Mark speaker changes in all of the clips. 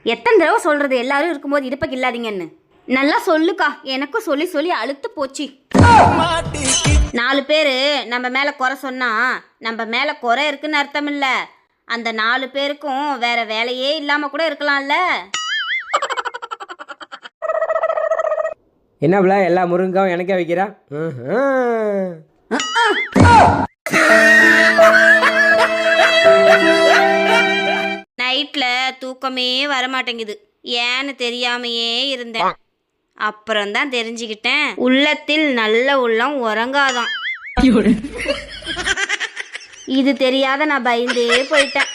Speaker 1: எத்தனை தடவை சொல்கிறது எல்லாரும் இருக்கும்போது இடுப்பக்கு இல்லாதீங்கன்னு. நல்லா சொல்லுக்கா, எனக்கும் சொல்லி சொல்லி அழுத்து போச்சு. 4 பேர் நம்ம மேலே குறை சொன்னால் நம்ம மேலே குறை இருக்குன்னு அர்த்தம் இல்லை. அந்த 4 பேருக்கும் வேற வேலையே இல்லாமல் கூட இருக்கலாம்ல.
Speaker 2: என்னப்ல எல்லா முருங்காவும் எனக்கே வைக்கிறா?
Speaker 1: நைட்டில் தூக்கமே வரமாட்டேங்குது. ஏன்னு தெரியாமையே இருந்தேன். அப்புறம்தான் தெரிஞ்சுக்கிட்டேன், உள்ளத்தில் நல்ல உள்ளம் உறங்காதான். இது தெரியாத நான் பயந்தே போயிட்டேன்.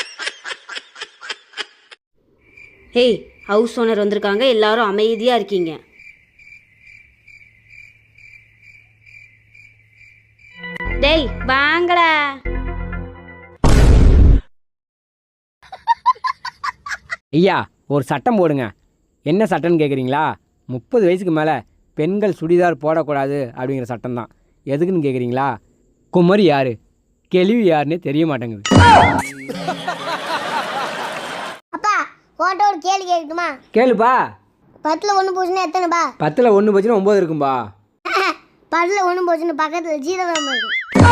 Speaker 1: ஹேய், ஹவுஸ் ஓனர் வந்திருக்காங்க, எல்லாரும் அமைதியாக இருக்கீங்க. டேய் வாங்கடா.
Speaker 2: ஐயா ஒரு சட்டம் போடுங்க. என்ன சட்டம்னு கேட்குறீங்களா? 30 வயசுக்கு மேலே பெண்கள் சுடிதார் போடக்கூடாது அப்படிங்கிற சட்டம் தான். எதுக்குன்னு கேட்குறீங்களா? குமரி யார், கேள்வி யாருன்னு தெரிய மாட்டேங்குது.
Speaker 3: அப்பா ஓட்ட ஒரு கேள்வி கேட்குமா?
Speaker 2: கேளுப்பா.
Speaker 3: 10ல் 1 போச்சுன்னா எத்தனைப்பா?
Speaker 2: 10ல் 1 போச்சுன்னா 9 இருக்கும்பா.
Speaker 3: 10ல் 1 போச்சுன்னு பக்கத்தில் 0 இருக்கும்.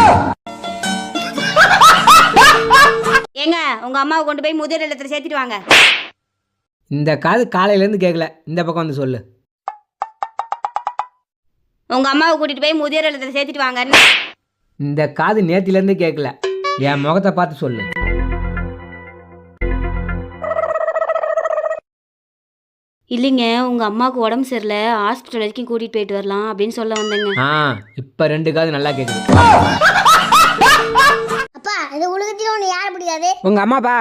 Speaker 1: ஏங்க உங்க அம்மாவை கொண்டு போய் முதியோர் இல்லத்தில் சேர்த்துட்டு வாங்க.
Speaker 2: இந்த காது காலையிலேருந்து கேட்கல, இந்த பக்கம் வந்து சொல்லு.
Speaker 1: உங்க அம்மாவை கூட்டிட்டு போய் முதியோர் இல்லத்தில் சேர்த்துட்டு வாங்க.
Speaker 2: இந்த காது நேத்திலேருந்து கேட்கல, என் முகத்தை பார்த்து சொல்லு.
Speaker 1: இல்லைங்க, உங்க அம்மாவுக்கு உடம்பு சரியில்லை, ஹாஸ்பிட்டல் வரைக்கும் கூட்டிட்டு போயிட்டு வரலாம் அப்படின்னு சொல்ல வந்தேங்க.
Speaker 2: இப்போ 2 காது நல்லா கேட்குது.
Speaker 3: அப்பா இந்த உலகத்தில் ஒன்று யாரை பிடிக்காது?
Speaker 2: உங்க அம்மாப்பா.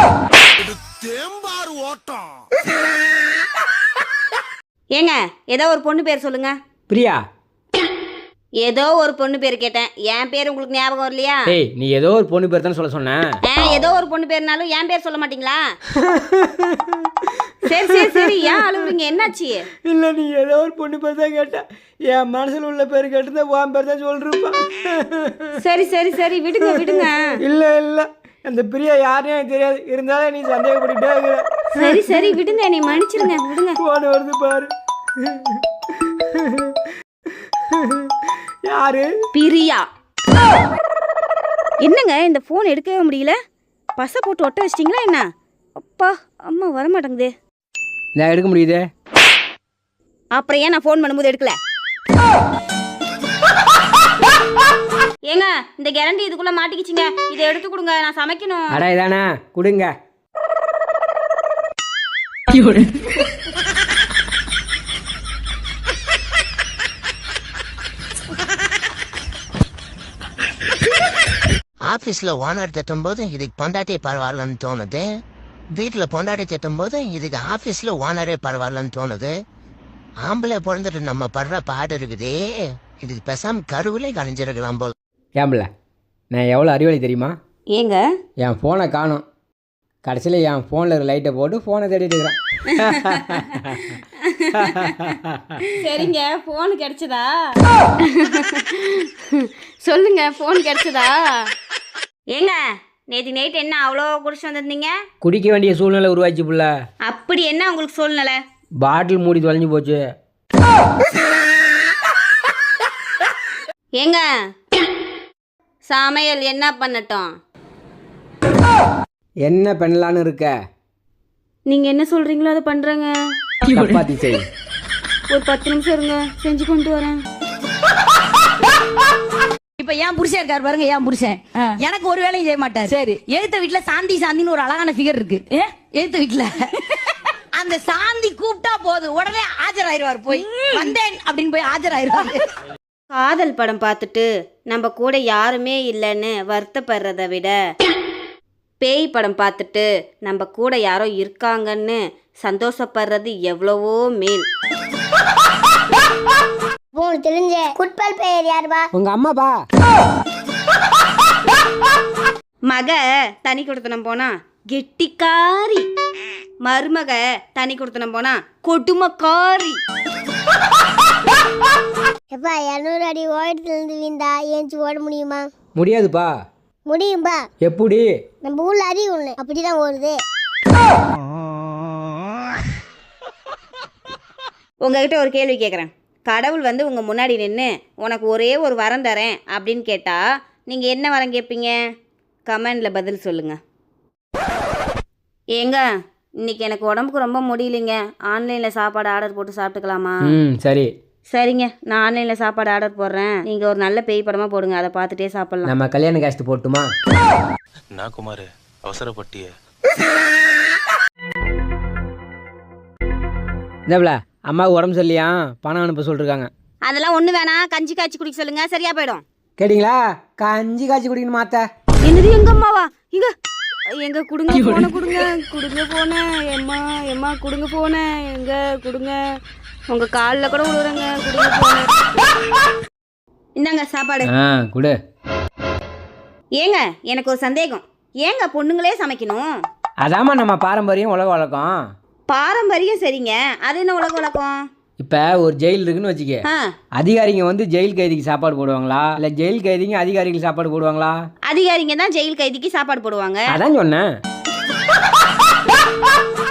Speaker 1: ஏங்க ஏதோ ஒரு பொண்ணு பேர் சொல்லுங்க.
Speaker 2: பிரியா.
Speaker 1: ஏதோ ஒரு பொண்ணு பேர் கேட்டேன், என் பேர் உங்களுக்கு ஞாபகம் வரலையா?
Speaker 2: ஏய் நீ ஏதோ ஒரு பொண்ணு பேர் தானே சொல்ல சொன்னேன்.
Speaker 1: ஏதோ ஒரு பொண்ணு பேர்னாலும் என் பேர் சொல்ல மாட்டீங்களா? சரி சரி சரி, ஏன் அழுகுறீங்க, என்னாச்சு?
Speaker 2: இல்லை நீ ஏதோ ஒரு பொண்ணு பேர் தான் கேட்டேன், என் மனசில் உள்ள பேர் கேட்டு உன் பேர் தான் சொல்லிருப்பா.
Speaker 1: சரி சரி சரி, விடுங்க விடுங்க.
Speaker 2: இல்லை இல்லை, அந்த பிரியா யாருன்னு எனக்கு தெரியாது, இருந்தாலும் நீ சந்தேகப்பட்டுட்டே இருக்கிற.
Speaker 1: சரி சரி விடுங்க, நீ மன்னிச்சிருங்க, விடுங்க.
Speaker 2: போன வருது பாரு. யாரு?
Speaker 1: பிரியா. என்னங்க இந்த ஃபோன் எடுக்கவே முடியல? பசை போட்டு ஒட்ட வச்சிட்டிங்களா என்ன? அப்பா அம்மா வரமாட்டேங்குதே.
Speaker 2: நான் எடுக்க முடியுது.
Speaker 1: அப்புறம் ஏன் நான் ஃபோன் பண்ணும்போது எடுக்கல? ஏங்க இந்த கேரண்டி இதுக்குள்ள மாட்டிக்கிச்சிங்க, இதை எடுத்து கொடுங்க, நான் சமைக்கணும்.
Speaker 2: அடா இதானே கொடுங்க.
Speaker 4: ஆஃபீஸில் ஓனர் திட்டும்போது இதுக்கு பொண்டாட்டி பரவாயில்லன்னு தோணுது, வீட்டில் பொண்டாட்டி திட்டும்போது இதுக்கு ஆஃபீஸில் ஓனரே பரவாயில்லன்னு தோணுது. ஆம்பளை பிறந்துட்டு நம்ம படுற பாடு இருக்குதே, இதுக்கு பேசாம கருவிலே கணிஞ்சிருக்கலாம் போல்.
Speaker 2: ஏம்பல நான் எவ்வளோ அறிவாளி தெரியுமா?
Speaker 1: ஏங்க
Speaker 2: என் ஃபோனை காணும், கடைசியில் என் ஃபோனில் இருக்கிற லைட்டை போட்டு ஃபோனை தேடிட்டு இருக்கிறேன்.
Speaker 1: சரிங்க, ஃபோன் கிடைச்சதா? சொல்லுங்க, ஃபோன் கிடைச்சதா? ஏங்க நேற்று நைட் என்ன அவ்வளோ குடிச்சு வந்திருந்தீங்க?
Speaker 2: குடிக்க வேண்டிய சூழ்நிலை உருவாச்சு புள்ள.
Speaker 1: அப்படி என்ன உங்களுக்கு சூழ்நிலை?
Speaker 2: பாட்டில் மூடி தொலைஞ்சு போச்சு.
Speaker 1: ஏங்க சமையல் என்ன பண்ணட்டும்?
Speaker 2: என்ன பண்ணலான்னு இருக்க?
Speaker 1: நீங்க என்ன சொல்றீங்களோ அதை பண்றேங்க.
Speaker 2: சப்பாத்தி செய்.
Speaker 1: ஒரு 10 நிமிஷம் இருங்க, செஞ்சு கொண்டு வரேன்.
Speaker 5: இப்ப ஏன் புருஷன் இருக்காரு பாருங்க, ஏன் புருஷன் எனக்கு ஒரு வேலையும் செய்ய மாட்டாரு. சரி, எழுத்த வீட்டுல சாந்தி சாந்தின்னு ஒரு அழகான ஃபிகர் இருக்கு. எழுத்த வீட்டுல அந்த சாந்தி கூப்பிட்டா போதும் உடனே ஆஜராயிருவாரு. போய் வந்தேன் அப்படின்னு போய் ஆஜராயிருவாரு.
Speaker 1: காதல் படம் பார்த்துட்டு நம்ம கூட யாருமே இல்லைன்னு வருத்தப்படுறத விட, பேய் படம் பார்த்துட்டு நம்ம கூட யாரோ இருக்காங்கன்னு சந்தோஷப்படுறது எவ்வளவோ மேல்.
Speaker 3: உங்களுக்கு தெரிஞ்ச குட்பால் பெயர் யாருப்பா?
Speaker 2: உங்க அம்மாப்பா.
Speaker 1: மக தனி கொடுத்தனம் போனா கெட்டிக்காரி, மருமக தனி கொடுத்தனம் போனா கொடுமைக்காரி.
Speaker 3: எப்பா 200 அடி ஓட்டத்துலேருந்து வீந்தா ஏஞ்சி ஓட முடியுமா?
Speaker 2: முடியாதுப்பா.
Speaker 3: முடியும்பா.
Speaker 2: எப்படி?
Speaker 3: நம்ம ஊர்ல அருவி ஒண்ணு அப்படிதான் ஓடுது.
Speaker 1: உங்ககிட்ட ஒரு கேள்வி கேட்குறேன். கடவுள் வந்து உங்கள் முன்னாடி நின்று உனக்கு ஒரே ஒரு வரம் தரேன் அப்படின்னு கேட்டால் நீங்கள் என்ன வரம் கேட்பீங்க? கமெண்டில் பதில் சொல்லுங்கள். ஏங்க இன்னைக்கு எனக்கு உடம்புக்கு ரொம்ப முடியலைங்க. ஆன்லைனில் சாப்பாடு ஆர்டர் போட்டு சாப்பிட்டுக்கலாமா?
Speaker 2: சரி.
Speaker 1: சரிங்க, நான் ஆன்லைனில் சாப்பாடு ஆர்டர் போடுறேன். நீங்கள் ஒரு நல்ல பேய் படமாக போடுங்க, அதை பார்த்துட்டே சாப்பிட்லாம்.
Speaker 2: நம்ம கல்யாண காஸ்ட் போட்டுமா?
Speaker 6: நான் குமார் அவசரப்பட்டிய
Speaker 2: என்னப்ல அம்மாவுக்கு உடம்பு சரியில்லையா, பணம் அனுப்ப சொல்லிருக்காங்க.
Speaker 1: அதெல்லாம் ஒன்றும் வேணாம், கஞ்சி காய்ச்சி குடிக்க சொல்லுங்கள், சரியாக போயிடும்.
Speaker 2: கேட்டிங்களா? கஞ்சி காய்ச்சி குடிக்கணும் மாத்த.
Speaker 1: என்னது எங்க அம்மாவா? எங்க கொடுங்க போன கொடுங்க கொடுங்க போன எம்மா எம்மா கொடுங்க போன எங்க கொடுங்க, உங்க காலில் கூட விடுறேங்க, கொடுங்க போன. இந்தாங்க சாப்பாடு.
Speaker 2: குடு.
Speaker 1: ஏங்க எனக்கு ஒரு சந்தேகம், ஏங்க பொண்ணுங்களே சமைக்கணும்?
Speaker 2: அதாம்மா நம்ம பாரம்பரியம், உலக வழக்கம்.
Speaker 1: பாரம்பரியம் சரிங்க, அது என்ன உலக வழக்கம்?
Speaker 2: இப்போ ஒரு ஜெயில் இருக்குன்னு வச்சுக்க, அதிகாரிங்க வந்து ஜெயில் கைதிக்கு சாப்பாடு போடுவாங்களா, இல்லை ஜெயில் கைதிங்க அதிகாரிகளுக்கு சாப்பாடு போடுவாங்களா?
Speaker 1: அதிகாரிங்க தான் ஜெயில் கைதிக்கு சாப்பாடு போடுவாங்க.
Speaker 2: அதான் சொன்னேன்.